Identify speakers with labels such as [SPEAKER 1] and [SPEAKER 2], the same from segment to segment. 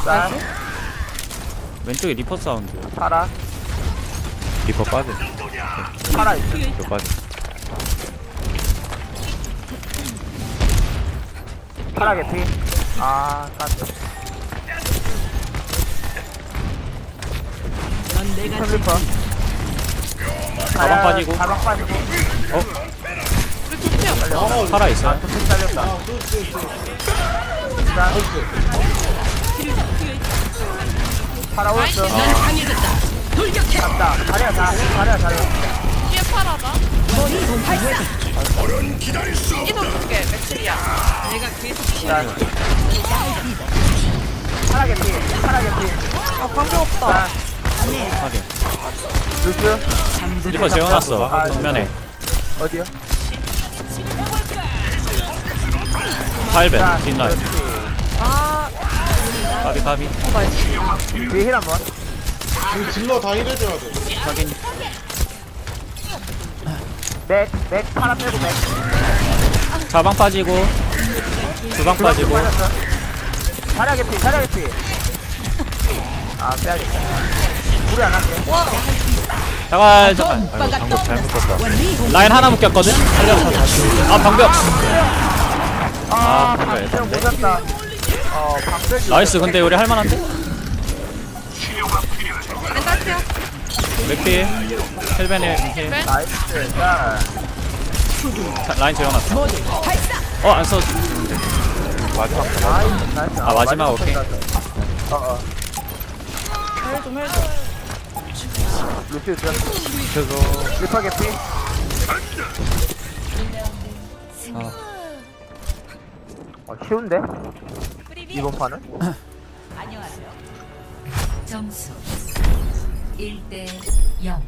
[SPEAKER 1] 쌀.
[SPEAKER 2] 왼쪽에 리퍼 사운드.
[SPEAKER 1] 파라.
[SPEAKER 3] 리퍼 빠져.
[SPEAKER 1] 파라 있어.
[SPEAKER 3] 리퍼 빠져.
[SPEAKER 1] 파라 개피. 아, 깠어. 슬리퍼.
[SPEAKER 2] 가방 빠지고.
[SPEAKER 1] 가방 빠지고.
[SPEAKER 4] 우리 도대체
[SPEAKER 2] 살아 있어요.
[SPEAKER 1] 도둑 잘렸다. 자. 파라 오였어. 갔다. 자리야, 자리야.
[SPEAKER 4] 뒤에 팔아봐. 이동 줄게, 맥스리야.
[SPEAKER 1] 자. 파라 개피. 파라 개피.
[SPEAKER 4] 아, 방금 없다.
[SPEAKER 1] 자,
[SPEAKER 2] 확인.
[SPEAKER 1] 루스.
[SPEAKER 2] 리퍼 재워놨어.
[SPEAKER 1] 아,
[SPEAKER 2] 정면에.
[SPEAKER 1] 어디요?
[SPEAKER 2] 8벤 뒷라인.
[SPEAKER 4] 아,
[SPEAKER 2] 까비.
[SPEAKER 1] 뒤에 힐 한번.
[SPEAKER 5] 그 질러 다 일해줘야 돼.
[SPEAKER 2] 확인.
[SPEAKER 1] 맥, 파라 빼고 맥.
[SPEAKER 2] 자방 빠지고. 주방 빠지고.
[SPEAKER 1] 자리야 개피. 아, 빼야겠다. 우리 안 할게.
[SPEAKER 2] 잠깐.
[SPEAKER 3] 아이고 방금 잘못 썼다.
[SPEAKER 2] 라인 하나 묶였거든? 살려서 다시. 아, 방벽.
[SPEAKER 1] 아,
[SPEAKER 2] 방벽
[SPEAKER 1] 방금 못
[SPEAKER 2] 예쁜데?
[SPEAKER 1] 샀다. 방벽이.
[SPEAKER 2] 나이스. 근데 우리 할만한데?
[SPEAKER 4] 멘탈피야.
[SPEAKER 2] 맥피. 헬벤에 힐.
[SPEAKER 1] 나이스. 자,
[SPEAKER 2] 라인 재워놨어. 안 써.
[SPEAKER 3] 마지막
[SPEAKER 1] 나이스.
[SPEAKER 2] 아, 마지막 오케이.
[SPEAKER 1] 루시 좀.
[SPEAKER 3] 그래서
[SPEAKER 1] 리퍼 개피. 쉬운데? 이번 판은?
[SPEAKER 6] 점수 1대 0.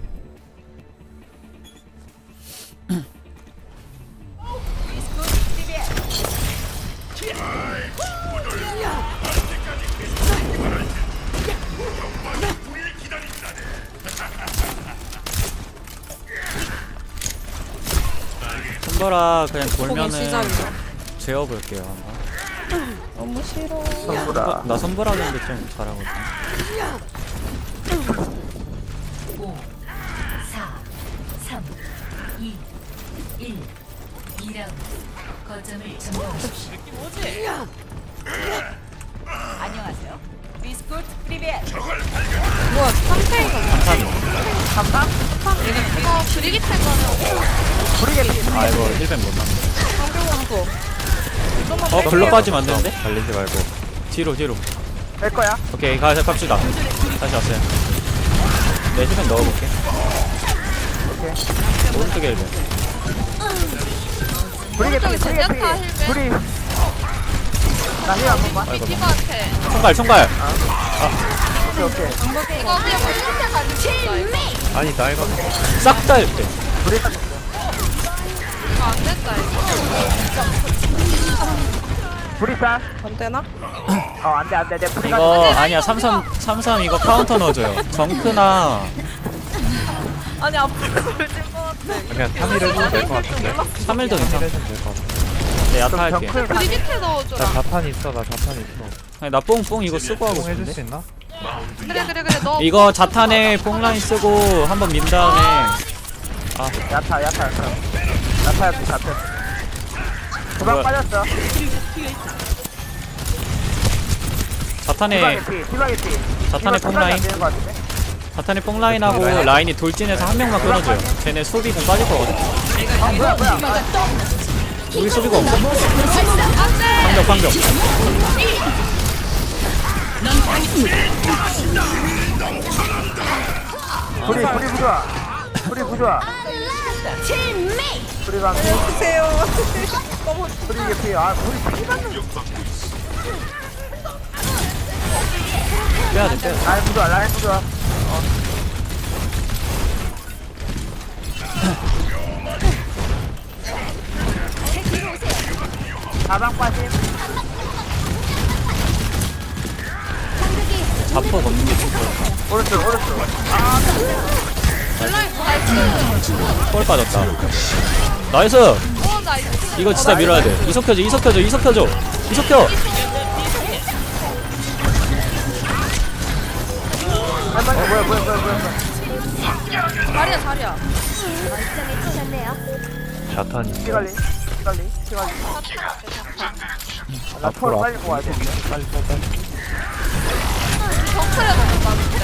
[SPEAKER 2] 손보라 그냥
[SPEAKER 4] 보기
[SPEAKER 2] 돌면은
[SPEAKER 4] 시작이야.
[SPEAKER 2] 재워볼게요 한번.
[SPEAKER 4] 너무 싫어.
[SPEAKER 1] 선수라.
[SPEAKER 2] 나 손보라 근데 좀 잘하거든.
[SPEAKER 6] 5, 4, 3, 2, 1. 2라운드. 거점을 점령하십시오. 안녕하세요. 비스쿠트 프리벳.
[SPEAKER 4] 뭐야, 3패인가?
[SPEAKER 1] 3상?
[SPEAKER 4] 이거 브리기 탈거는
[SPEAKER 1] 우리 개피.
[SPEAKER 2] 아 이거 힐벤 못 넣네.
[SPEAKER 4] 방금
[SPEAKER 2] 글로 빠지면 안 되는데?
[SPEAKER 3] 달리지 말고.
[SPEAKER 2] 뒤로.
[SPEAKER 1] 뺄 거야?
[SPEAKER 2] 오케이 갑시다. 다시 왔어요. 네 힐벤 넣어볼게.
[SPEAKER 1] 오케이.
[SPEAKER 2] 오른쪽에 힐벤.
[SPEAKER 1] 우리 개피.
[SPEAKER 4] 오른쪽에 제냐타 힐벤.
[SPEAKER 1] 우리. 나힐 한 번만.
[SPEAKER 2] 아이고
[SPEAKER 4] 디바한테.
[SPEAKER 2] 총갈.
[SPEAKER 1] 오케이.
[SPEAKER 4] 이거 그냥 우리한테 가지고 있다, 이거.
[SPEAKER 3] 아니 나 이거
[SPEAKER 2] 싹 다 힐벤.
[SPEAKER 1] 우리
[SPEAKER 4] 이거 안 된다, 이거.
[SPEAKER 1] 우리 쌀.
[SPEAKER 4] 안 되나?
[SPEAKER 1] 안 돼. 내 불이
[SPEAKER 2] 이거 아니야 33 이거 카운터 넣어줘요. 정크나
[SPEAKER 4] 아니, 앞으로 돌진 것 같아.
[SPEAKER 3] 그냥 3일 해도 될 것 같은데.
[SPEAKER 2] 3일도
[SPEAKER 3] 3일
[SPEAKER 2] 괜찮아.
[SPEAKER 3] 해도 될 것 같은데.
[SPEAKER 2] 네 야타 할게.
[SPEAKER 4] 브리기트
[SPEAKER 3] 나
[SPEAKER 4] 넣어줘라.
[SPEAKER 3] 자판 있어. 나 자판 있어.
[SPEAKER 2] 아니 나 뽕 이거 쓰고 하고
[SPEAKER 3] 뽕 해줄 수
[SPEAKER 2] 싶은데.
[SPEAKER 3] 있나?
[SPEAKER 4] 그래, 너.
[SPEAKER 2] 이거 자탄에 뽕라인 쓰고 한번 민 다음에
[SPEAKER 1] 야타. 야타야. 도망
[SPEAKER 2] 뭐야.
[SPEAKER 1] 빠졌어.
[SPEAKER 2] 자탄에 자탄에 뽕라인. 자탄에 뽕라인하고 라인이 돌진해서 한 명만 끊어줘요. 쟤네 수비 공 빠질 거거든.
[SPEAKER 1] 뭐야.
[SPEAKER 2] 우리 수비가 없어. 방벽.
[SPEAKER 1] 불이 부좋아. 불이 방.
[SPEAKER 4] 주세요.
[SPEAKER 1] 불이 개피. 불이 피받는.
[SPEAKER 2] 빼야돼.
[SPEAKER 1] 라인 부좋아. 가방 빠짐.
[SPEAKER 2] 자폭 없는 게 좋고.
[SPEAKER 1] 오른쪽.
[SPEAKER 4] 나이스.
[SPEAKER 2] 볼 빠졌다. 나이스.
[SPEAKER 4] 나이스.
[SPEAKER 2] 이거 진짜 밀어야 돼. 이석 켜줘.
[SPEAKER 1] 뭐야.
[SPEAKER 4] 자리야 자리야.
[SPEAKER 3] 자탄이 있어.
[SPEAKER 1] 피갈리. 나 초로 빨리 모아야 되는데.
[SPEAKER 3] 빨리 써, 빨리.
[SPEAKER 4] 정크레 넘어가는데.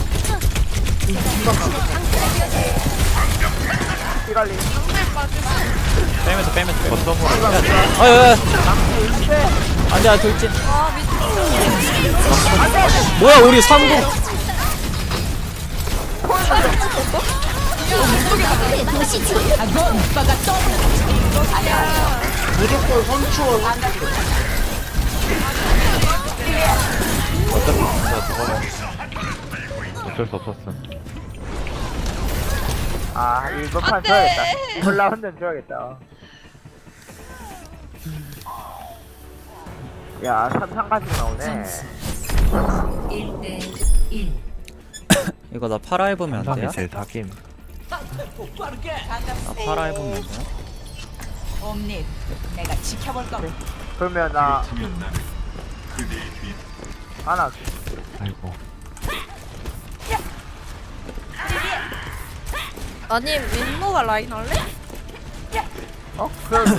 [SPEAKER 1] 피갈리.
[SPEAKER 2] 빼면서
[SPEAKER 3] 거점으로
[SPEAKER 2] 아유 안돼 돌진
[SPEAKER 4] 아 미친.
[SPEAKER 2] 뭐야 우리 3공
[SPEAKER 5] 무조건 선추원.
[SPEAKER 3] 어차피 진짜 저거는 어쩔 수 없었음.
[SPEAKER 1] 아, 이거 판
[SPEAKER 4] 안 돼.
[SPEAKER 1] 줘야겠다. 콜라 한잔 줘야겠다. 야, 3가지가 나오네.
[SPEAKER 6] 1대 1.
[SPEAKER 2] 이거 나 파라 해보면 안 돼요?
[SPEAKER 3] 상이 제일 사김.
[SPEAKER 2] 나 파라 해보면 안 돼요?
[SPEAKER 6] 옴닉, 내가 지켜볼 겁니다.
[SPEAKER 1] 그러면 나 하나
[SPEAKER 3] 아이고.
[SPEAKER 4] 아니 민노가 라인 할래?
[SPEAKER 1] 그럼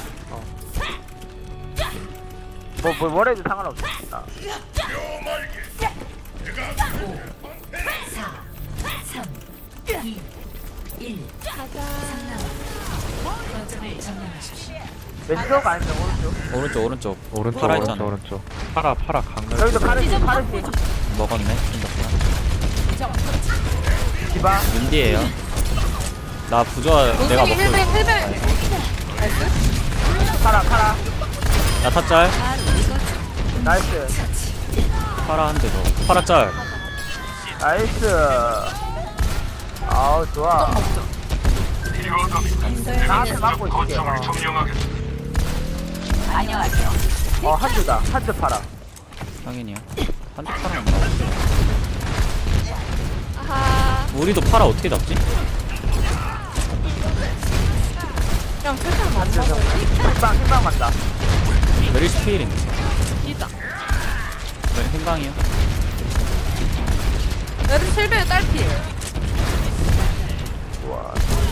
[SPEAKER 1] 뭐래도 상관없어.
[SPEAKER 6] 5, 4, 3, 2, 1. 가자. 3남. 거점을 점령하십시오.
[SPEAKER 1] 왼쪽 아니면 오른쪽?
[SPEAKER 2] 오른쪽
[SPEAKER 3] 오른쪽,
[SPEAKER 2] 파라
[SPEAKER 3] 오른쪽,
[SPEAKER 2] 있잖아
[SPEAKER 3] 오른쪽. 파라 강렬.
[SPEAKER 1] 여기도 파르시.
[SPEAKER 2] 먹었네 생각보다
[SPEAKER 1] 디바.
[SPEAKER 2] 윈디에요 나 부조화 내가 먹고
[SPEAKER 4] 힐벨.
[SPEAKER 1] 파라.
[SPEAKER 2] 야타짤
[SPEAKER 1] 나이스.
[SPEAKER 2] 파라 한 대더 파라 짤
[SPEAKER 1] 나이스. 아우 좋아. 나한테 맞고 있을게.
[SPEAKER 6] 안녕하세요.
[SPEAKER 1] 한주다. 한주 파라.
[SPEAKER 2] 당연히요 한대 파라 안 나와
[SPEAKER 4] 아하.
[SPEAKER 2] 우리도 파라 어떻게 잡지?
[SPEAKER 4] 그냥 세상 안
[SPEAKER 1] 한주
[SPEAKER 4] 먹어.
[SPEAKER 1] 정도. 흰방 맞다.
[SPEAKER 2] 메리스 피일인데
[SPEAKER 4] 이다.
[SPEAKER 2] 왜 생강이요?
[SPEAKER 4] 얘들 힐벨 딸피.
[SPEAKER 1] 좋아.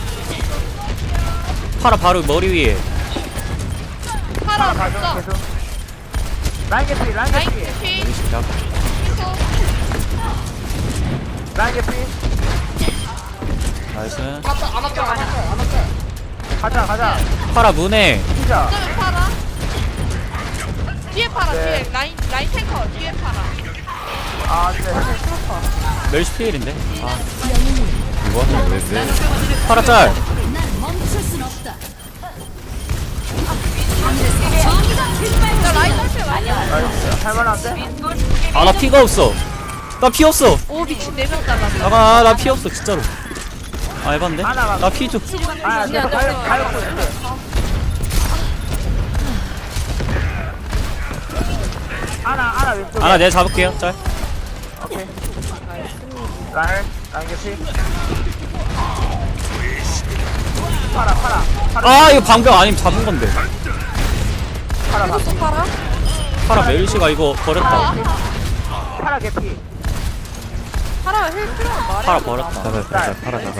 [SPEAKER 2] 파라 바로 머리 위에
[SPEAKER 4] 파라
[SPEAKER 1] 가져
[SPEAKER 4] 갔어.
[SPEAKER 1] 계속. 라인 개피.
[SPEAKER 4] 라인 피.
[SPEAKER 1] 라인 개피.
[SPEAKER 2] 나이스
[SPEAKER 1] 가자.
[SPEAKER 2] 파라 문에
[SPEAKER 1] 피자.
[SPEAKER 4] 거점에 파라. 뒤에 파라
[SPEAKER 1] 네.
[SPEAKER 4] 뒤에 라인 탱커 뒤에 파라.
[SPEAKER 1] 아, 네.
[SPEAKER 2] 메리스 피일인데 아
[SPEAKER 3] 이거는 왜
[SPEAKER 2] 파라 짤
[SPEAKER 4] 나 라인 딸피 라인.
[SPEAKER 1] 나이스. 할만한데?
[SPEAKER 2] 아 나 피가 없어 나 피 없어
[SPEAKER 4] 오 미친 4명 잘랐어.
[SPEAKER 2] 나 피 없어 진짜로 아 에반데?
[SPEAKER 1] 하나만.
[SPEAKER 2] 나 피 좀
[SPEAKER 1] 아, 계속 가요 있을게. 하나 왼쪽에.
[SPEAKER 2] 아나 내가 잡을게요 짤
[SPEAKER 1] 오케이. 라인 개피. 파라.
[SPEAKER 2] 아 이거 방벽 아니면 잡은 건데
[SPEAKER 1] 파라.
[SPEAKER 4] 또 파라?
[SPEAKER 2] 파라 메리시가 이거 버렸다
[SPEAKER 1] 파라 개피.
[SPEAKER 4] 파라 힐 필요한 말이야.
[SPEAKER 2] 파라 버렸다
[SPEAKER 3] 잡아, 파라 잡아.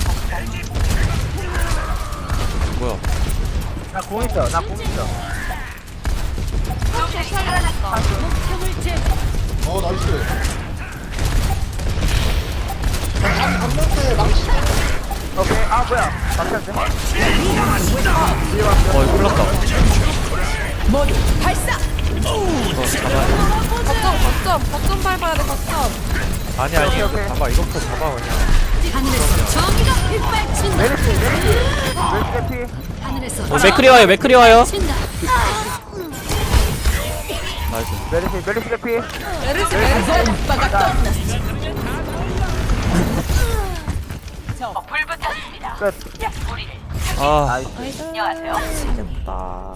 [SPEAKER 2] 뭐야
[SPEAKER 1] 나 공 있어.
[SPEAKER 5] 나이스.
[SPEAKER 1] 오케이. 아, 뭐야. 막혔네.
[SPEAKER 2] 이거 흘렀다
[SPEAKER 4] 거점 밟아야 돼 거점.
[SPEAKER 3] 아니,
[SPEAKER 1] 오케이.
[SPEAKER 3] 이거 잡아. 이것부터 잡아, 그냥.
[SPEAKER 1] 메르시 개피.
[SPEAKER 2] 맥크리 와요 나이스
[SPEAKER 1] 메르시 개피.
[SPEAKER 4] 메르시
[SPEAKER 1] 끝.
[SPEAKER 2] 아
[SPEAKER 1] 나이스.
[SPEAKER 6] 안녕하세요.
[SPEAKER 4] 됐다.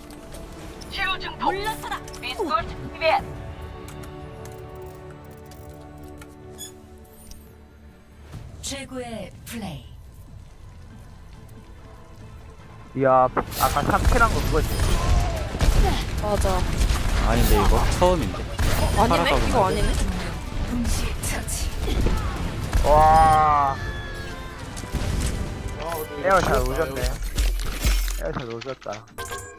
[SPEAKER 6] 물러서라. 비스콜트 프리벳. 최고의 플레이.
[SPEAKER 1] 이야, 아까 3킬한 거 그거지.
[SPEAKER 4] 맞아.
[SPEAKER 2] 아닌데 이거 처음인데
[SPEAKER 4] 아니네? 이거 아니네?
[SPEAKER 6] 동시 처치.
[SPEAKER 1] 와
[SPEAKER 5] 아, 근데 이거
[SPEAKER 1] 에어 잘
[SPEAKER 5] 지렸다,
[SPEAKER 1] 오졌네.
[SPEAKER 5] 이거.
[SPEAKER 1] 에어 잘 오졌다.